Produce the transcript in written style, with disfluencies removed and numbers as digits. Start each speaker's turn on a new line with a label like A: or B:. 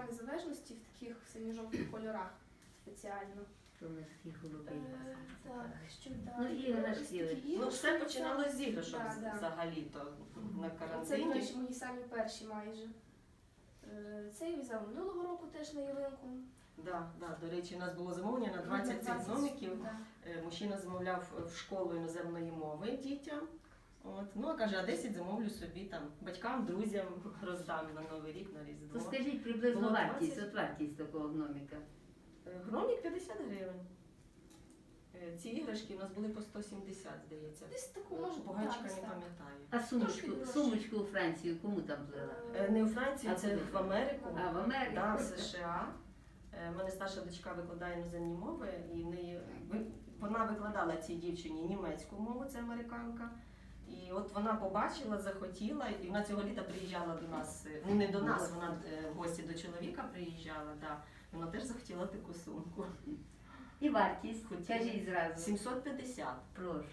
A: Дня Незалежності в таких синьо-жовтих кольорах спеціально.
B: То ми такі голубі.
A: Так, що далі?
B: Ну, іграшки.
A: Ось такі
C: Ну, все
A: іграшки.
C: починалося з іграшок
A: Да.
C: взагалі-то на
A: Це, до
C: карантині.
A: речі, мої самі перші майже. Це я взяла минулого року теж на ялинку.
C: Да. До речі, у нас було замовлення на 20 гномиків.
A: Да.
C: Мужчина замовляв в школу іноземної мови дітям. От. Ну, а каже, а 10 замовлю собі там батькам, друзям роздам на Новий рік, на Різдво.
B: То скажіть приблизно
C: Було
B: вартість,
C: 20.
B: от вартість такого гноміка.
C: Гномик 50 гривень. Ці іграшки у нас були по 170, здається.
A: Десь таку може
C: Бугачка не
A: так.
C: пам'ятаю.
B: А
A: Трошки дорожче.
B: сумочку у Францію кому там плела?
C: Не у Франції,
B: А
C: це
B: куди?
C: в Америку.
B: А, в Америку?
C: Да, в США. У мене старша дочка викладає іноземні мови, і вона викладала цій дівчині німецьку мову, це американка. І от вона побачила, захотіла, і вона цього літа приїжджала до нас, ну не до нас, вона в гості до чоловіка приїжджала, да. Вона теж захотіла таку сумку.
B: І вартість,
C: Хотіла.
B: кажіть зразу.
C: 750.
B: Прошу.